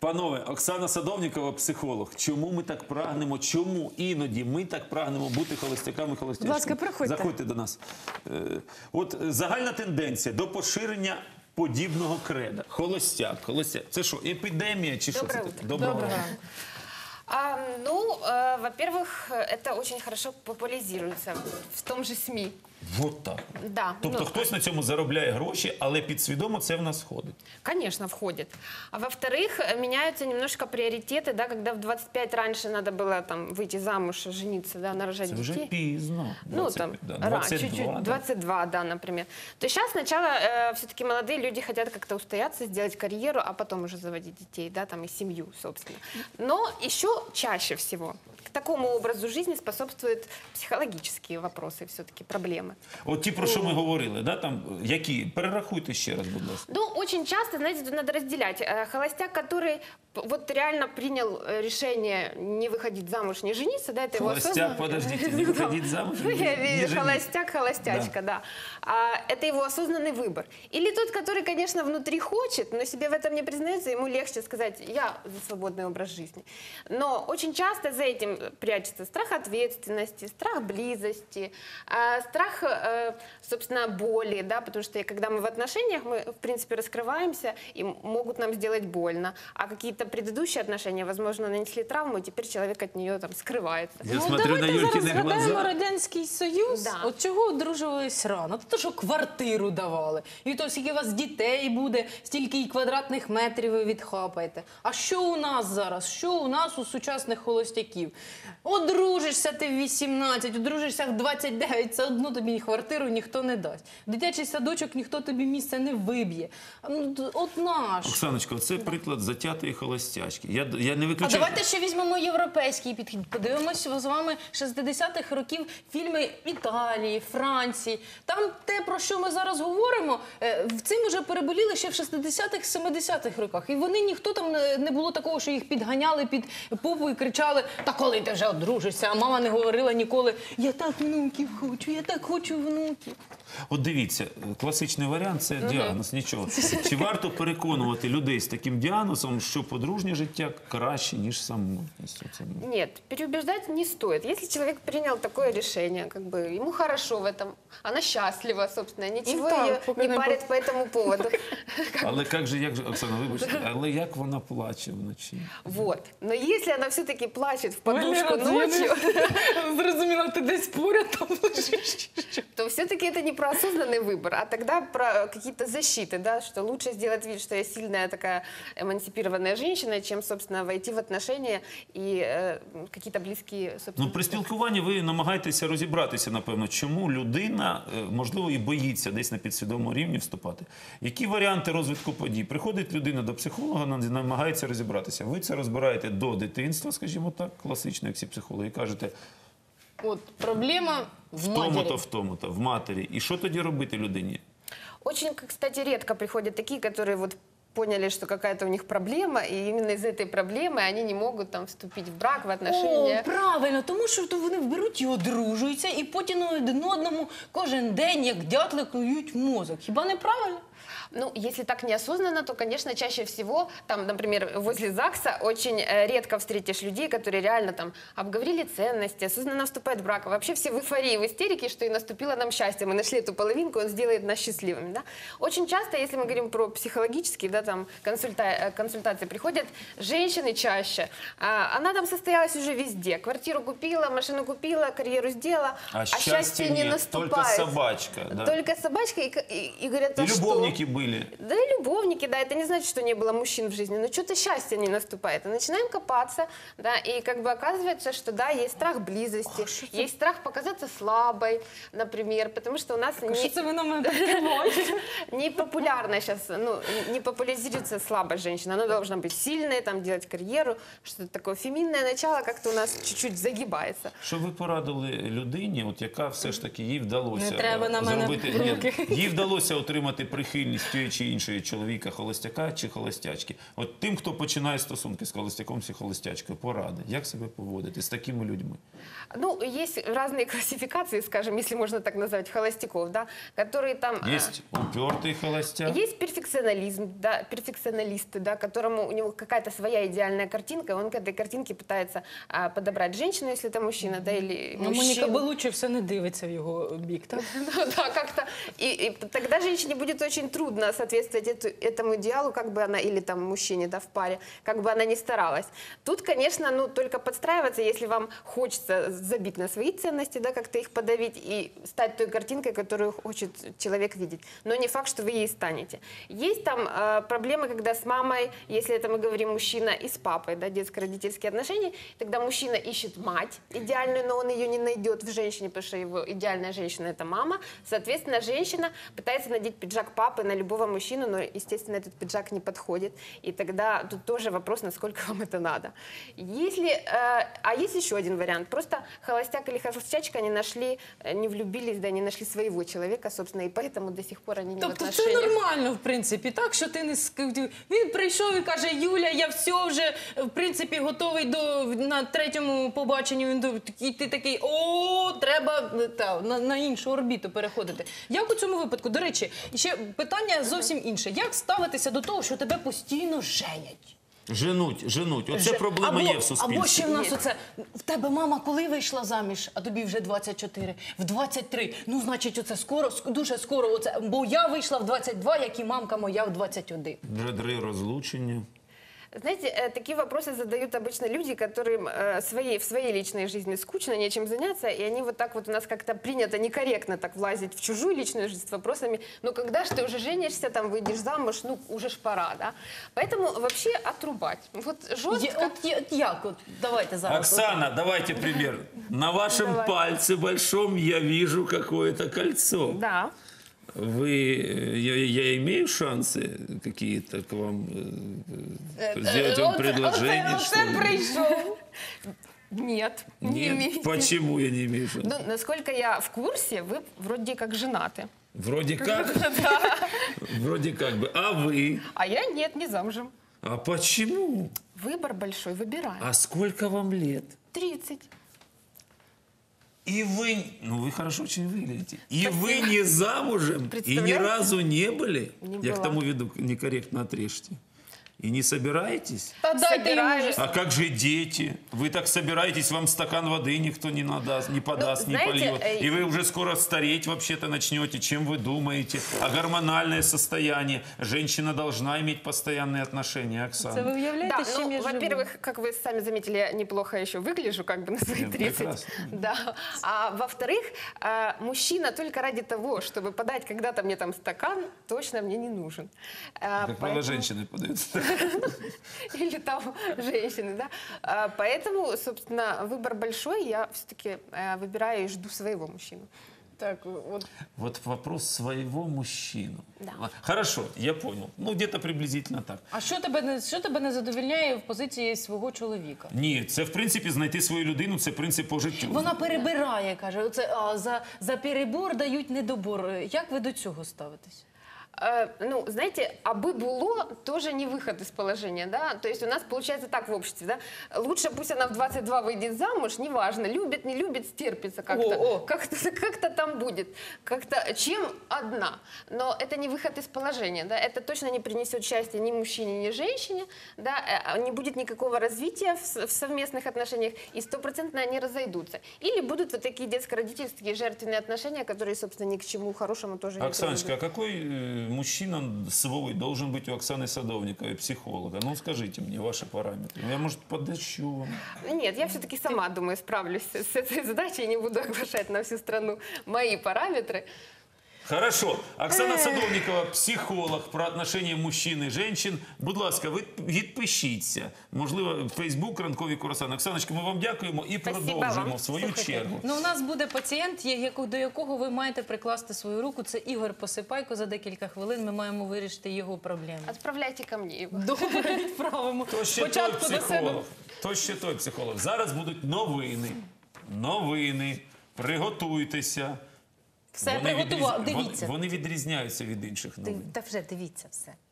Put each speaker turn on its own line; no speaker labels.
Панове, Оксана Садовнікова, психолог. Чому ми так прагнемо, чому іноді ми так прагнемо бути холостяками, холостячками?
Будь ласка, приходьте.
Заходьте до нас. От загальна тенденція до поширення подібного креда. Холостяк, холостяк. Це що, епідемія чи що це таке? Доброго ранку.
Во-первых, это очень хорошо популяризируется в том же СМИ.
Вот так.
Да.
Тобто хтось на цьому заробляє гроші, але підсвідомо це в нас входить.
Конечно, входит. А во-вторых, меняются немножко приоритеты, да, когда в 25 раньше надо было там выйти замуж, жениться, да, нарожать
Це
детей.
вже пізно.
Ну, там,
22,
чуть-чуть, 22, да, например. То сейчас сначала все-таки молодые люди хотят как-то устояться, сделать карьеру, а потом уже заводить детей, да, там и семью, собственно. Но еще чаще всего к такому образу жизни способствуют психологические вопросы, все-таки проблемы.
От ті, про що ми говорили, да, там, які? Перерахуйте ще раз, будь ласка.
Ну, очень часто, знаете, тут надо разделять. Холостяк, который вот реально принял решение не выходить замуж, не жениться, да, это его
Холостяк,
осознанно...
подождите, не выходить замуж, не жениться.
Холостяк, холостячка, да. Это его осознанный выбор. Или тот, который, конечно, внутри хочет, но себе в этом не признается, ему легче сказать, я за свободный образ жизни. Но очень часто за этим прячется страх ответственности, страх близости, страх, собственно, боли, да, потому что когда мы в отношениях, мы, в принципе, раскрываемся и могут нам сделать больно, а какие-то предыдущие отношения, возможно, нанесли травму, и теперь человек от нее там скрывается.
Я смотрю на
Давайте зараз
Юлькины
згадаємо
глаза.
Радянський Союз.
Да.
От чого одружувались рано? То, що квартиру давали. І то, скільки у вас дітей буде, стільки і квадратних метрів ви відхапаєте. А що у нас зараз? Що у нас у сучасних холостяків? Одружишся ти в 18, одружишся в 29, все одно тобі квартиру ніхто не дасть. Дитячий садочок ніхто тобі місце не виб'є. От наш.
Оксаночко, це приклад затятої холостячки. Я не
А
виключаю...
давайте ще візьмемо європейський підхід. Подивимося з вами 60-х років фільми Італії, Франції. Там те, про що ми зараз говоримо, цим вже переболіли ще в 60-х, 70-х роках. І вони, ніхто там не було такого, що їх підганяли під попу і кричали, та коли ти вже одружишся? А мама не говорила ніколи, я так внуків хочу, я так хочу внуків.
От дивіться, класичний варіант – це діагноз, нічого. Чи варто переконувати людей з таким діагнозом, що подружнє життя краще, ніж самотність?
Нет, переубеждать не стоит. Если человек принял такое решение, как бы ему хорошо в этом, она счастлива, собственно, ничего
так,
ее
пока
не
не
парит по этому поводу.
Але як же, Оксана, вибачте, але як вона плаче вночі?
Вот. Но если она все-таки плачет в подушку
Валера,
ночью,
Зрозуміла, ти десь поряд там лежиш.
то все-таки это не про осознанный выбор, а тогда про какие-то защиты, да, что лучше сделать вид, что я сильная такая эмансипированная женщина, чем, собственно, войти в отношения и какие-то близкие, собственно...
Ну, при спілкуванні ви намагаєтеся розібратися, напевно, чому людина, можливо, і боїться десь на підсвідомому рівні вступати. Які варіанти розвитку подій? Приходить людина до психолога, намагається розібратися. Ви це розбираєте до дитинства, скажімо так, класично, як всі психологи, і кажете,
От проблема в матері.
тому-то, в тому-то, в матері. І що тоді робити людині?
Очень, кстати, редко приходят такие, которые вот поняли, что какая-то у них проблема, и именно из этой проблемы они не могут там вступить в брак, в отношения.
О, правильно, тому що то вони беруть і одружуються, і потім один одному кожен день, як дятли, клюють мозок. Хіба не правильно?
Ну, если так неосознанно, то, конечно, чаще всего, там, например, возле ЗАГСа очень редко встретишь людей, которые реально там обговорили ценности, осознанно вступают в брак. Вообще все в эйфории, в истерике, что и наступило нам счастье. Мы нашли эту половинку, он сделает нас счастливыми, да? Очень часто, если мы говорим про психологические, да, там, консультации, приходят женщины чаще. Она там состоялась уже везде. Квартиру купила, машину купила, карьеру сделала,
А
счастье не
нет,
наступает.
только собачка. Да.
Только собачка, и говорят,
И
а что?
любовники были.
Да и любовники, да, это не значит, что не было мужчин в жизни, но что-то счастье не наступает. И начинаем копаться, да, и как бы оказывается, что да, есть страх близости, есть страх показаться слабой, например, потому что у нас
Що це ви на мене підкриваєте?
не популярна сейчас, ну, не популяризируется слабость женщины, она должна быть сильной, там, делать карьеру, что-то такое феминное начало как-то у нас чуть-чуть загибается.
Що ви порадили людині, от яка все ж таки їй вдалося
Не треба на мене
зробити,
руки.
їй вдалося отримати прихильність тієї чи іншої чоловіка, холостяка чи холостячки. От тим, хто починає стосунки з холостяком чи холостячкою, поради, як себе поводити з такими людьми?
Ну, есть разные классификации, скажем, если можно так назвать, холостяков, да, которые там...
Є упертий холостяк.
Есть перфекционализм, да, перфекционалисты, да, которому у него какая-то своя идеальная картинка, и он к этой картинке пытается подобрать женщину, если это мужчина, да, или
Ну, Моніка
мужчину.
Белуччі все не дивиться в його бік, так?
Ну да, как-то. И тогда женщине будет очень трудно соответствовать этому идеалу, как бы она, или там мужчине, да, в паре, как бы она ни старалась. Тут, конечно, ну, только подстраиваться, если вам хочется забить на свои ценности, да, как-то их подавить и стать той картинкой, которую хочет человек видеть. Но не факт, что вы ей станете. Есть там проблемы, когда с мамой, если это мы говорим мужчина, и с папой, да, детско-родительские отношения, тогда мужчина ищет мать идеальную, но он ее не найдет в женщине, потому что его идеальная женщина – это мама. Соответственно, женщина пытается надеть пиджак папы на любого мужчину, но, естественно, этот пиджак не подходит. И тогда тут тоже вопрос, насколько вам это надо. А есть еще один вариант. Просто холостяк или холостячка, они нашли, не влюбились, да, не нашли своего человека, собственно, и поэтому до сих пор они не в
Тобто це
отношениях.
нормально, в принципі, так, що ти не він прийшов і каже: Юля, я все вже, в принципі, готовий на третьому побаченні. І ти такий: о, треба на іншу орбіту переходити. Як у цьому випадку? До речі, ще питання зовсім інше. Як ставитися до того, що тебе постійно женять?
Женуть. Оце проблема є в суспільстві.
Або ще в нас оце: в тебе мама коли вийшла заміж, а тобі вже 24, в 23. Ну, значить, оце скоро, дуже скоро, оце, бо я вийшла в 22, як і мамка моя в 21.
Дри розлучення.
Знаете, такие вопросы задают обычно люди, которым в своей личной жизни скучно, нечем заняться, и они вот так вот, у нас как-то принято некорректно так влазить в чужую личную жизнь с вопросами: ну когда ж ты уже женишься, там выйдешь замуж, ну уже ж пора, да? Поэтому вообще отрубать. Вот жестко.
Як? Давайте зараз.
Оксана, давайте пример. На вашем пальце большом я вижу какое-то кольцо.
Да.
Я имею шансы какие-то к вам сделать вам предложение? что
Оце
ли?
пришел. Нет, не
Нет?
имеете.
Почему я не имею шансов?
Ну, насколько я в курсе, вы вроде как женаты.
Вроде как. Вроде как бы. А вы?
А я нет, не замужем.
А почему?
Выбор большой, выбираем.
А сколько вам лет?
30.
И вы, ну вы хорошо очень выглядите. И вы не замужем, и ни
Представляете?
разу не были.
Не
Я к
была.
тому веду, некорректно отрежьте. И не собираетесь?
Та дайте йому
Собираюсь.
вже.
А как же дети? Вы так собираетесь, вам стакан воды никто не надаст, не подаст,
Ну,
не
знаете,
польет. И вы уже скоро стареть вообще-то начнете. Чем вы думаете? А гормональное состояние? Женщина должна иметь постоянные отношения, Оксана.
Це ви уявляєте,
Да,
з чим
ну,
я живу?
во-первых, как вы сами заметили, я неплохо еще выгляжу, как бы на свои
Нет,
30.
прекрасно.
Да. А во-вторых, мужчина только ради того, чтобы подать когда-то мне там стакан, точно мне не нужен.
Как правило, женщины подают.
Или там женщины, да. Поэтому, собственно, выбор большой, я все-таки выбираю и жду своего мужчину.
Так, от.
Вот вопрос своего мужчину.
Да.
Хорошо, я понял. Ну, где-то приблизительно так.
А що тебе не задовільняє в позиції свого чоловіка?
Ні, це, в принципі, знайти свою людину, це принцип по життю.
Вона перебирає, каже, оце, за перебор дають недобор. Як ви до цього ставитесь?
Ну, знаете, аби было, тоже не выход из положения, да, то есть у нас получается так в обществе, да, лучше пусть она в 22 выйдет замуж, неважно, любит, не любит, стерпится как-то, как-то там будет, как-то, чем одна, но это не выход из положения, да, это точно не принесет счастья ни мужчине, ни женщине, да, не будет никакого развития в совместных отношениях, и 100% они разойдутся, или будут вот такие детско-родительские жертвенные отношения, которые, собственно, ни к чему хорошему тоже не
Оксаночка, а
приведут.
какой мужчина свой должен быть у Оксаны Садовниковой, психолога? Ну, скажите мне ваши параметры. Я, может, подыщу вам.
Нет, я все-таки сама, думаю, справлюсь с этой задачей, не буду оглашать на всю страну мои параметры.
Хорошо. Оксана Садовникова, психолог про отношения мужчин і жінок. Будь ласка, ви відпишіться. Можливо, Фейсбук, ранкові курасани. Оксаночка, ми вам дякуємо і
Спасибо
продовжимо
вам.
в свою
Слухайте.
чергу.
Ну, у нас буде пацієнт, до якого ви маєте прикласти свою руку. Це Ігор Посипайко. За декілька хвилин ми маємо вирішити його проблеми.
Отправляйте ко мне его.
Добре, відправимо.
То ще той
Спочатку до себе.
психолог. То ще той психолог. Зараз будуть новини. Новини. Приготуйтеся.
Все приготував, дивіться.
Вони відрізняються від інших новин.
Та вже дивіться все.